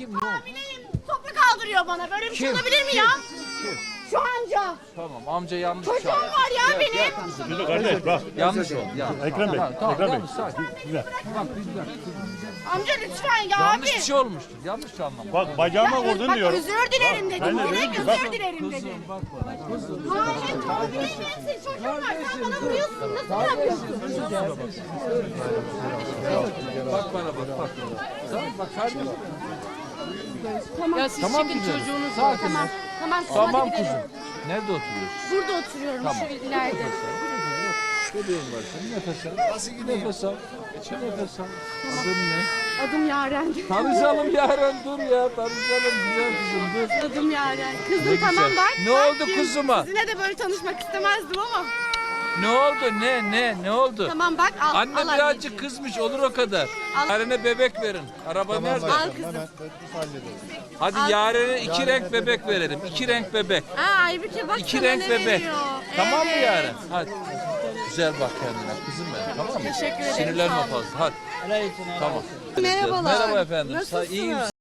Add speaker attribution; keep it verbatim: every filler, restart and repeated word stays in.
Speaker 1: Kim ne oldu?
Speaker 2: Hamileyim. Toprak kaldırıyor bana. Böyle bir şey
Speaker 1: Kim?
Speaker 2: olabilir mi
Speaker 1: Kim?
Speaker 2: ya?
Speaker 1: Kim?
Speaker 2: Şu amca.
Speaker 1: Tamam amca yanlış
Speaker 2: Çocuğum
Speaker 1: çağırdı.
Speaker 2: var ya
Speaker 1: Gel,
Speaker 2: benim.
Speaker 1: gel kızım.
Speaker 3: Dur kardeş bak.
Speaker 1: Yanlış oldu. Yanlış.
Speaker 3: Ekrem Bey,
Speaker 1: Tamam, tamam,
Speaker 3: Ekrem Bey.
Speaker 1: yanlış, sakin.
Speaker 3: Güzel.
Speaker 1: Bak bir dakika.
Speaker 2: Amca lütfen ya
Speaker 1: Yanlış
Speaker 2: abi.
Speaker 1: bir şey olmuştur. Yanlış anlama.
Speaker 3: Bak bacağıma vurdun
Speaker 2: Bak
Speaker 3: diyorum.
Speaker 2: özür dilerim dedim.
Speaker 3: Ben de
Speaker 2: Direkt
Speaker 3: dedim ki, bak.
Speaker 2: özür dilerim dedim.
Speaker 1: Kızım bak bana. Kızım.
Speaker 2: Hayır, hamileyim ben senin çocuğun var. Sen bana vuruyorsun. Nasıl yapıyorsun?
Speaker 1: Bak bana bak bak. Tamam bak kardeşim.
Speaker 4: Ya siz
Speaker 1: Tamam
Speaker 4: çekin
Speaker 1: güzelim.
Speaker 4: çocuğunuzu.
Speaker 1: Sakin.
Speaker 2: Tamam. Tamam kızım
Speaker 1: Tamam
Speaker 2: hadi gidelim.
Speaker 1: kuzum. Nerede oturuyorsun?
Speaker 2: Burada oturuyorum
Speaker 1: Tamam.
Speaker 2: şu ileride.
Speaker 1: Bebeğin var senin. Nefes al. Nasıl gidiyor? Nefes al. Nefes al. Adın ne?
Speaker 2: Adım Yaren.
Speaker 1: Tanışalım Yaren dur ya. Tanışalım güzel kızım dur.
Speaker 2: Adım Yaren.
Speaker 1: Ne
Speaker 2: Kızım tamam
Speaker 1: güzel.
Speaker 2: bak.
Speaker 1: Ne
Speaker 2: bak
Speaker 1: oldu
Speaker 2: ki
Speaker 1: kuzuma?
Speaker 2: Sizinle de böyle tanışmak istemezdim ama.
Speaker 1: Ne oldu? Ne? Ne? Ne oldu?
Speaker 2: Tamam bak al.
Speaker 1: Anne
Speaker 2: al
Speaker 1: birazcık
Speaker 2: anneciğim.
Speaker 1: kızmış olur o kadar.
Speaker 2: Al.
Speaker 1: Yaren'e bebek verin. Araba nerede?
Speaker 2: Al kızım.
Speaker 1: Hadi Yaren'e iki renk bebek verelim. İki renk bebek.
Speaker 2: Aa Aybüke bak
Speaker 1: İki
Speaker 2: sana
Speaker 1: renk
Speaker 2: ne
Speaker 1: bebek.
Speaker 2: veriyor.
Speaker 1: Tamam mı
Speaker 2: Evet.
Speaker 1: Yaren? Hadi. Güzel bak kendine kızım benim. Tamam mı?
Speaker 2: Teşekkür ederim,
Speaker 1: Sinirlenme
Speaker 2: sağ olun.
Speaker 1: fazla. Hadi. Tamam.
Speaker 2: Merhabalar.
Speaker 1: Merhaba efendim.
Speaker 2: Nasılsınız?
Speaker 1: İyiyim.